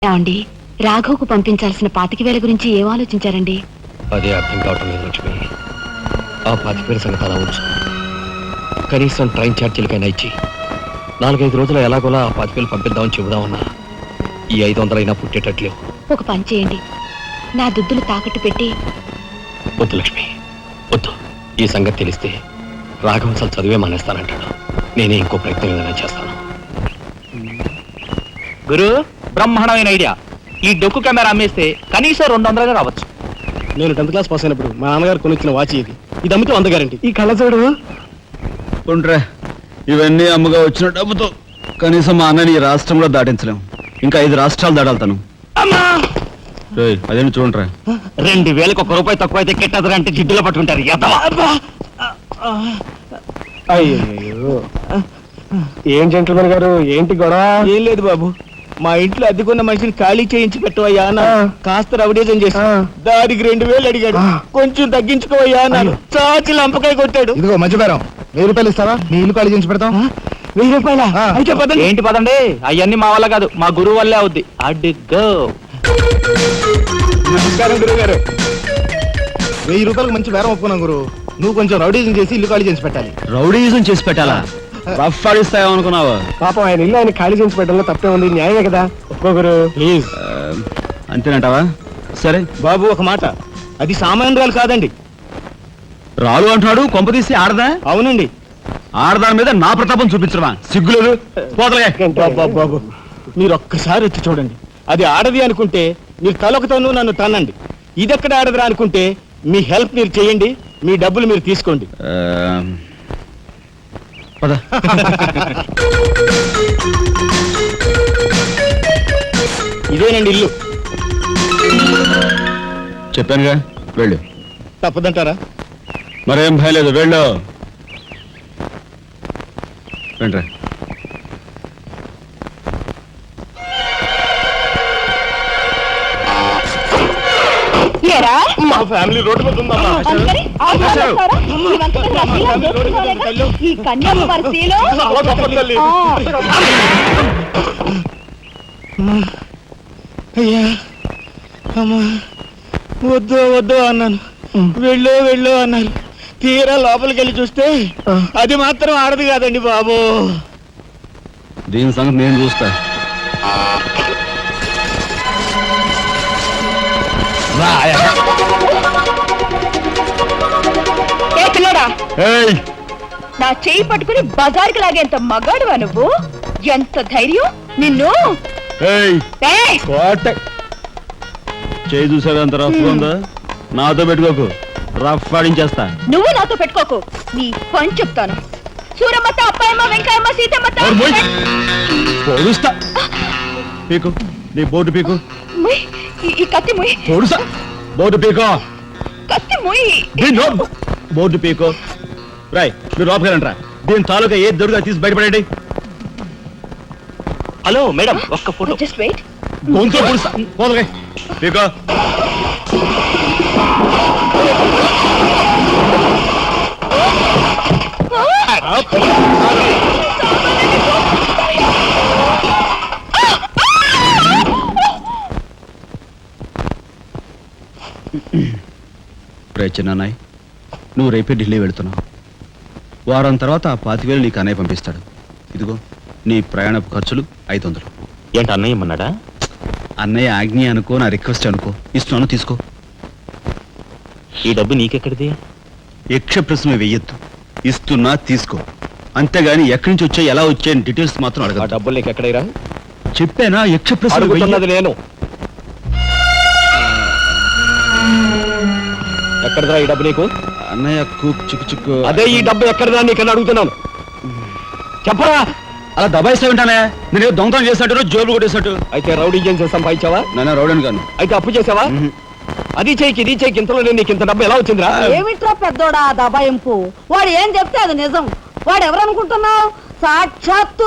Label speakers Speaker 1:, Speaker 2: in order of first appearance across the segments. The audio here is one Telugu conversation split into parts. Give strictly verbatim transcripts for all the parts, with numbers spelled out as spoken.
Speaker 1: ఏమండి, రాఘవ్కు పంపించాల్సిన పాతిక వేల గురించి ఏం ఆలోచించారండి?
Speaker 2: అదే అర్థం కావటం లేదు లక్ష్మి. ఆ పాతిక వేల సంగతి అలా ఉంచు. కనీసం ట్రైన్ ఛార్జీలకైనా ఇచ్చి నాలుగైదు రోజులు ఎలాగోలా ఆ పాతిక వేలు పంపిద్దామని చెబుదామన్నా ఈ ఐదు వందలైనా పుట్టేటట్లేవు.
Speaker 1: ఒక పని చేయండి, నా దుద్దులు తాకట్టు పెట్టి.
Speaker 2: వద్దు లక్ష్మి, వద్దు. ఈ సంగతి తెలిస్తే రాఘవ్ అసలు చదివే మానేస్తానంటాడు. నేనే ఇంకో ప్రయత్నం ఏదైనా చేస్తాను.
Speaker 3: గురు, బ్రహ్మాండమైన ఐడియా. ఈ డొక్కు కెమెరా అమ్మేస్తే కనీసం రెండు వందలుగా రావచ్చు.
Speaker 4: నేను టెన్త్ క్లాస్ పాస్ అయినప్పుడు మా నాన్నగారు కొనిచ్చిన వాచ్ ఇది. ఇది అమ్మితే వంద గ్యారంటీ. ఈ కళ్ళజోడు
Speaker 5: ఉంట్రా, ఇవన్నీ అమ్మగా వచ్చిన డబ్బుతో కనీసం మా అన్నని ఈ రాష్ట్రంలో దాటించలేం. ఇంకా ఐదు రాష్ట్రాలు దాడాలతాను. అదేమి చూడండిరా,
Speaker 3: రెండు వేలకు ఒక రూపాయి తక్కువ అయితే కెట్టదురా అంటే జిడ్డులో పట్టుకుంటారు.
Speaker 4: అయ్యో, ఏం జెంట్లమెన్ గారు, ఏంటి గొడవ? ఏం లేదు బాబు, మా ఇంట్లో అద్దెకున్న మనిషిని ఖాళీ చేయించి పెట్టవయ్యా అన్న. కాస్త రవిడేజం చేసి దానికి రెండు వేలు అడిగాడు. కొంచెం తగ్గించుకోవయ్యా అన్నాను. చాచి లంపకాయ కొట్టాడు.
Speaker 6: ఇదిగో మధ్యపేరం, వెయ్యి రూపాయలు ఇస్తావా? నీ ఇల్లు ఖాళీ చేయించి పెడతాం.
Speaker 4: వెయ్యి రూపాయల అయితే పదండి.
Speaker 3: ఏంటి పదండి, అవన్నీ మా వల్ల కాదు, మా గురువు వల్లే అవుద్ది. అడ్డుగో.
Speaker 4: నమస్కారం గురువు గారు.
Speaker 6: వెయ్యి రూపాయలకు మంచి బేరం ఒప్పుకున్నాం గురు. నువ్వు కొంచెం రౌడీజం చేసి ఇల్లు ఖాళీ చేసి పెట్టాలి.
Speaker 5: రౌడీజం చేసి పెట్టాలా? రఫ్ ఆడిస్తాయో అనుకున్నావా?
Speaker 4: పాపం ఆయన ఇల్లు ఆయన ఖాళీ చేసి పెట్టడంలో తప్పే ఉంది. న్యాయమే కదా. ఒప్పుకోగురు ప్లీజ్.
Speaker 5: అంతేనంటావా? సరే
Speaker 4: బాబు, ఒక మాట, అది సామాన్యురాలు కాదండి.
Speaker 5: రాలు అంటున్నాడు. కొంపదీసి ఆడదా?
Speaker 4: అవునండి.
Speaker 5: ఆడదాని మీద నా ప్రతాపం చూపించడమా? సిగ్గులేదు. పోతలే.
Speaker 4: బాబు బాబు, మీరు ఒక్కసారి వచ్చి చూడండి. అది ఆడది అనుకుంటే మీరు తలొకతోనూ నన్ను తన్నండి. ఇదెక్కడ ఆడదురా అనుకుంటే మీ హెల్ప్ మీరు చేయండి, మీ డబ్బులు మీరు తీసుకోండి.
Speaker 5: పద.
Speaker 4: ఇదేనండి ఇల్లు.
Speaker 5: చెప్పానుగా, వెళ్ళు.
Speaker 4: తప్పదంటారా?
Speaker 5: మరేం భయం లేదు, వెళ్ళు. వెంట్రా.
Speaker 4: మా ఫ్యామిలీ రోడ్డు మీద ఉందమ్మా.
Speaker 1: ఈ కన్యాకుమారిలో
Speaker 4: చాలా గొప్ప తల్లి. అయ్యా, అమ్మా, వద్దు వద్దు అన్నాను. వెళ్ళు వెళ్ళు అన్నారు. తీరా లోపలికి వెళ్ళి చూస్తే అది మాత్రం ఆడదు కాదండి బాబు.
Speaker 5: దీని సంగతి నేను చూస్తా.
Speaker 1: నా చెయ్యి పట్టుకుని బజార్కి లాగేంత మగాడువా నువ్వు? ఎంత ధైర్యం నిన్ను!
Speaker 5: చేయి చూసాడు అంత రఫ్ ఉందా? నాతో పెట్టుకోకు, రఫ్ ఆడించేస్తా.
Speaker 1: నువ్వు నాతో పెట్టుకోకు, నీ పని చెప్తాను. సూరమ్మత, అప్పాయమ్మ, వెంకాయమ్మ, సీతమ్మత.
Speaker 5: పొడుస్తా. పీకు, నీ బోటు పీకు.
Speaker 1: ఈ కత్తి ముయ్.
Speaker 5: పొడుసా. బోటు పీకో.
Speaker 1: కత్తి ముయ్.
Speaker 5: బోర్డు పీకో. రాయ్, మీరు లోపకెళ్ళంట్రా. దీని తాలూకా ఏది దొరుకుతా తీసి బయటపడండి.
Speaker 3: హలో మేడం, ఒక్క ఫోటో.
Speaker 1: Just wait.
Speaker 5: గొంతు పొడుస్తా. పోదలే. పీకో. చిన్నాయ్, నువ్వు రేపే ఢిల్లీ వెళుతున్నావు. వారం తర్వాత ఆ పాతివేలు నీకు అన్నయ్య పంపిస్తాడు. ఇదిగో నీ ప్రయాణపు ఖర్చులు ఐదు వందలు.
Speaker 3: ఏంటి అన్నయ్య ఏమన్నాడా?
Speaker 5: అన్నయ్య ఆజ్ఞ అనుకో, నా రిక్వెస్ట్ అనుకో. ఇస్తున్నాను, తీసుకో.
Speaker 3: ఈ డబ్బు నీకెక్కడిది?
Speaker 5: యక్ష ప్రశ్న వెయ్యొద్దు. ఇస్తున్నా, తీసుకో. అంతేగాని ఎక్కడి నుంచి వచ్చాయి, ఎలా వచ్చాయని డీటెయిల్స్ మాత్రం అడగ.
Speaker 2: ఆ డబ్బులు నీకు ఎక్కడైరా?
Speaker 5: చెప్పానా? యక్ష ప్రశ్న
Speaker 2: అడుగుతున్నది నేను. ఎక్కడదా ఈ డబ్బు నీకు?
Speaker 5: అన్నయ్య చిక్కు చిక్కు.
Speaker 2: అదే ఈ డబ్బు ఎక్కడదా నీకన్నా అడుగుతున్నాను. చెప్పరా.
Speaker 5: అలా దబాయిస్తా ఉంటానే. నేను దొంగతనం చేసినట్టు, జోబులు కొట్టేసినట్టు.
Speaker 2: అయితే రౌడీ చేసి సంపాదించావా?
Speaker 5: నాన్న రౌడీని కాను.
Speaker 2: అయితే అప్పు చేసావా? అది చేయికి ఇది చేయికి ఇంతలో నేను నీకు ఇంత డబ్బు ఎలా వచ్చిందిరా?
Speaker 7: ఏమిట్రా పెద్దోడా దబాయింపు? వాడు ఏం చెప్తే అది నిజం. వాడు ఎవరనుకుంటున్నావు? సాక్షాత్తు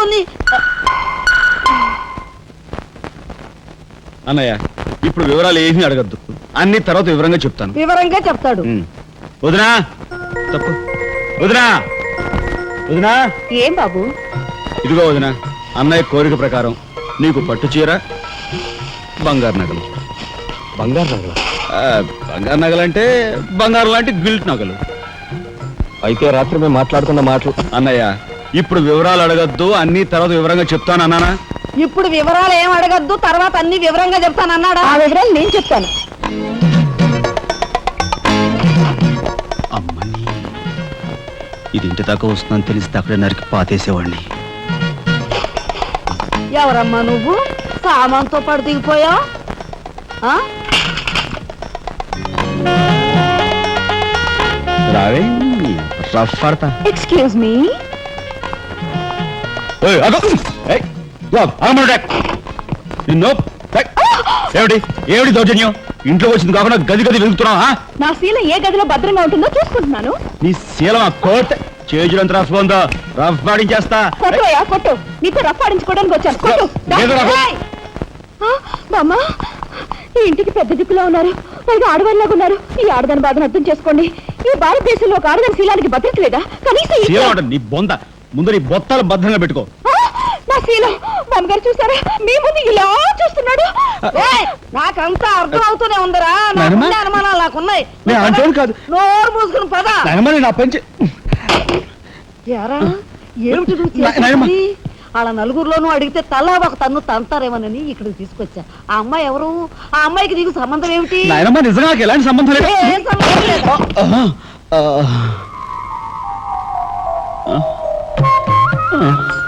Speaker 5: అన్నయ్య, ఇప్పుడు వివరాలు ఏమీ అడగద్దు. అన్ని తర్వాత వివరంగా చెప్తాను.
Speaker 7: వివరంగా చెప్తాడు.
Speaker 5: వదినా, తప్పు. వదినా, వదినా.
Speaker 1: ఏం బాబు?
Speaker 5: ఇదిగో వదినా, అన్నయ్య కోరిక ప్రకారం నీకు పట్టు చీర, బంగారు నగలు.
Speaker 2: బంగారు నగల
Speaker 5: ఆ, బంగారు నగలంటే బంగారు లాంటి గిల్ట్ నగలు.
Speaker 2: అయితే రాత్రి మేము మాట్లాడుకున్న మాటలు
Speaker 5: అన్నయ్య, ఇప్పుడు వివరాలు అడగద్దు, అన్ని తర్వాత వివరంగా చెప్తాను అన్నానా?
Speaker 7: ఇప్పుడు వివరాలు ఏం అడగద్దు, తర్వాత అన్ని వివరంగా చెప్తానన్నాడా?
Speaker 1: ఆ వివరాలు నేను చెప్తాను.
Speaker 5: అమ్మని, ఇది ఇంటి దాకా వస్తుందని తెలిస్తే అక్కడే నరికి పాతేసేవాడిని.
Speaker 7: ఎవరమ్మా నువ్వు? సామాన్తో పాటు దిగిపోయావు.
Speaker 5: రావే రఫ్ పడతా.
Speaker 1: Excuse me.
Speaker 5: ఏయ్, అగో! ఏయ్, ఇదిగో, ఆగమను డాక్. నిన్ను డాక్. ఏమిటి ఏమిటి దౌర్జన్యం? ఇంట్లో వచ్చింది కాకుండా గది గది వెళ్తున్నావా?
Speaker 1: నా శీల ఏ గదిలో భద్రంగా ఉంటుందో చూసుకుంటున్నాను.
Speaker 5: నీ శీలం కోట్ చేజులంత రఫ్ ఉందో రఫ్ పాడించేస్తా.
Speaker 1: కొట్టుయా కొట్టు. నీతో రఫ్ ఆడించుకోవడానికి వచ్చాను. కొట్టు.
Speaker 5: లేదు రఫ్.
Speaker 1: ఏయ్! ఆ, బామ్మ, ఈ ఇంటికి పెద్ద దిక్కులో ఉన్నారు, పైగా ఆడవాళ్ళలాగా ఉన్నారు. ఈ ఆడదాని బాధను అర్థం చేసుకోండి. ఈ భారతదేశంలో ఒక ఆడదాని శీలానికి భద్రత లేదా? కనీసం ఈ-
Speaker 5: శీలం అంటే నీ బొంద. ముందు నీ బొత్తాలు భద్రంగా పెట్టుకో.
Speaker 1: ఆ, నా శీలం బామ్మగారు చూసారా? మీ ముందు ఇలా చూస్తున్నాడు.
Speaker 7: ఏయ్, నాకంతా అర్థం అవుతూనే ఉందరా.
Speaker 5: నాయనమ్మ?
Speaker 7: నాకున్న అనుమానాలు నాకున్నాయి.
Speaker 5: నేను అంటోను కాదు.
Speaker 7: నోరు మూసుకుని పద.
Speaker 5: నాయనమ్మ, నా పెంచి
Speaker 7: ఎరా ఏమిటి నువ్వు
Speaker 5: నా- నాయనమ్మ.
Speaker 7: చేసేది? వాళ్ళ నలుగురిలోనూ అడిగితే తలా ఒక తన్ను తంతారేమోనని ఇక్కడికి తీసుకొచ్చా. ఆ అమ్మాయి ఎవరు? ఆ అమ్మాయికి నీకు సంబంధం ఏమిటి?
Speaker 5: నాయనమ్మ, నిజంగా నాకు ఎలాంటి సంబంధం లేదు.
Speaker 7: ఏ సంబంధం లేదు.
Speaker 5: ఆహా, ఆ, ఆ, ఆ.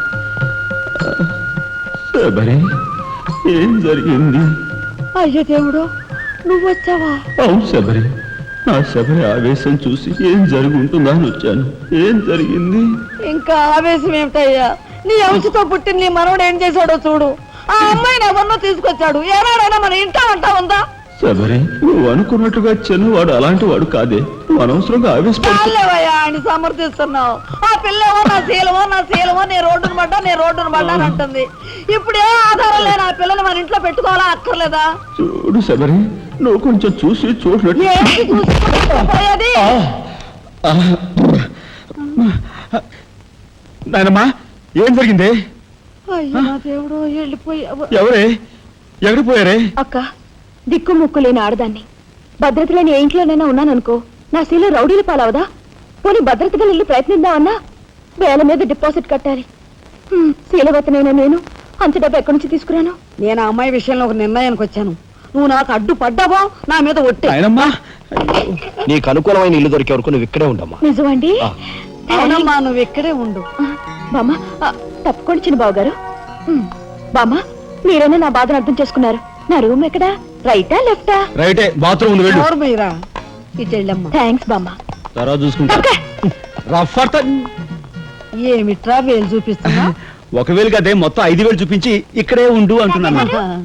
Speaker 5: శబరి, ఏం జరిగింది?
Speaker 7: అయ్యో దేవుడు, నువ్వు వచ్చావా?
Speaker 5: అవును శబరి, నా శబరి ఆవేశం చూసి ఏం జరిగి ఉంటుందా అని వచ్చాను. ఏం జరిగింది?
Speaker 7: ఇంకా ఆవేశం ఏమిటయ్యా? నీ అంశతో పుట్టిన నీ మనవడు ఏం చేశాడో చూడు. ఆ అమ్మాయిని ఎవరినో తీసుకొచ్చాడు. ఏనాడైనా మన ఇంటా అంటా ఉందా?
Speaker 5: శబరి, నువ్వు అనుకున్నట్టుగా చిన్నవాడు అలాంటి వాడు కాదే. నువ్వు అనవసరంగా ఆవేశపడు.
Speaker 7: చాలేవయ్యా ఆయన సమర్థిస్తున్నావు. ఆ పిల్లవో నా శీలమో నా శీలమో నీ రోడ్డును పడ్డా నీ రోడ్డును పడ్డా అని అంటుంది. ఇప్పుడు ఏ ఆధారం లేని ఆ పిల్లని మన ఇంట్లో పెట్టుకోవాలా అక్కర్లేదా?
Speaker 5: చూడు శబరి, నువ్వు కొంచెం చూసి చూడలేదు.
Speaker 7: ఏంటి చూసుకోపోయేది?
Speaker 5: నాయనమ్మా, ఏం జరిగింది?
Speaker 7: అయ్యో నా దేవుడు, వెళ్ళిపోయావు.
Speaker 5: ఎవరే ఎక్కడికి పోయారే?
Speaker 1: అక్క, దిక్కు ముక్కు లేని ఆడదాన్ని, భద్రత లేని ఏ ఇంట్లోనైనా ఉన్నాననుకో, నా శీల రౌడీల పాలవదా? పోనీ భద్రతగా వెళ్ళి ప్రయత్నిద్దామన్నా వేల మీద డిపాజిట్ కట్టాలి. హ్మ్, శీలవతనైనా నేను అంత డబ్బు ఎక్కడి నుంచి తీసుకురాను?
Speaker 7: నేను ఆ అమ్మాయి విషయంలో ఒక నిర్ణయానికి వచ్చాను. నువ్వు నాకు అడ్డు పడ్డావో నా మీద ఒట్టే.
Speaker 5: నాయనమ్మా,
Speaker 2: నీకు అనుకూలమైన ఇల్లు దొరికే వరకు నువ్వు ఇక్కడే ఉండమ్మా.
Speaker 1: నిజమండి?
Speaker 2: ఆ.
Speaker 7: అవునమ్మా, నువ్వు ఇక్కడే ఉండు.
Speaker 1: బామ్మ, ఆ, తప్పుకోండి చిన్న బాబు గారు. బామ్మ, మీరైనా నా బాధను అర్థం చేసుకున్నారు. నా రూమ్ ఎక్కడా? రైటా లెఫ్టా?
Speaker 5: రైటే, బాత్రూమ్ ఉంది, వెళ్ళు.
Speaker 7: ఎవరు మీరా? ఇటు వెళ్ళమ్మా.
Speaker 1: థ్యాంక్స్ బామ్మ.
Speaker 5: తర్వాత చూసుకుంటా.
Speaker 1: అక్క!
Speaker 5: రఫ్ అడతా.
Speaker 7: ఏమిట్రా వేలు చూపిస్తున్నా?
Speaker 5: ఒకవేళ కదే మొత్తం ఐదు వేలు చూపించి ఇక్కడే ఉండు అంటున్నాను.